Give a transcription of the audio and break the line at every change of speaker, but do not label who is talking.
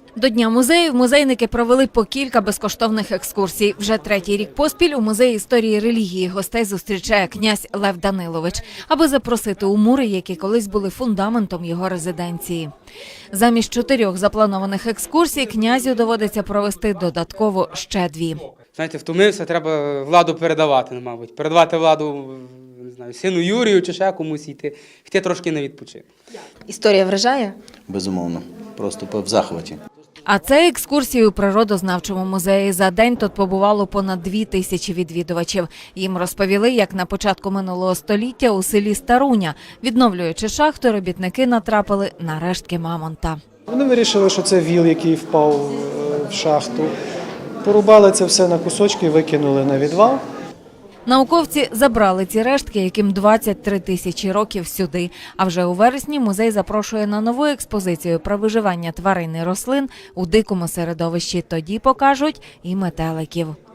До Дня музеїв музейники провели по кілька безкоштовних екскурсій. Вже третій рік поспіль у Музеї історії і релігії гостей зустрічає князь Лев Данилович, аби запросити у мури, які колись були фундаментом його резиденції. Замість 4 запланованих екскурсій князю доводиться провести додатково ще 2.
Знаєте, втомився, треба владу передавати, мабуть. Передавати владу, не знаю, сину Юрію чи ще комусь йти трошки на відпочинок.
Історія вражає?
Безумовно, просто в захваті.
А це екскурсії у Природознавчому музеї. За день тут побувало понад 2000 відвідувачів. Їм розповіли, як на початку минулого століття у селі Старуня, відновлюючи шахту, робітники натрапили на рештки мамонта.
Вони вирішили, що це віл, який впав в шахту. Порубали це все на кусочки і викинули на відвал.
Науковці забрали ці рештки, яким 23 тисячі років, сюди. А вже у вересні музей запрошує на нову експозицію про виживання тварин і рослин у дикому середовищі. Тоді покажуть і метеликів.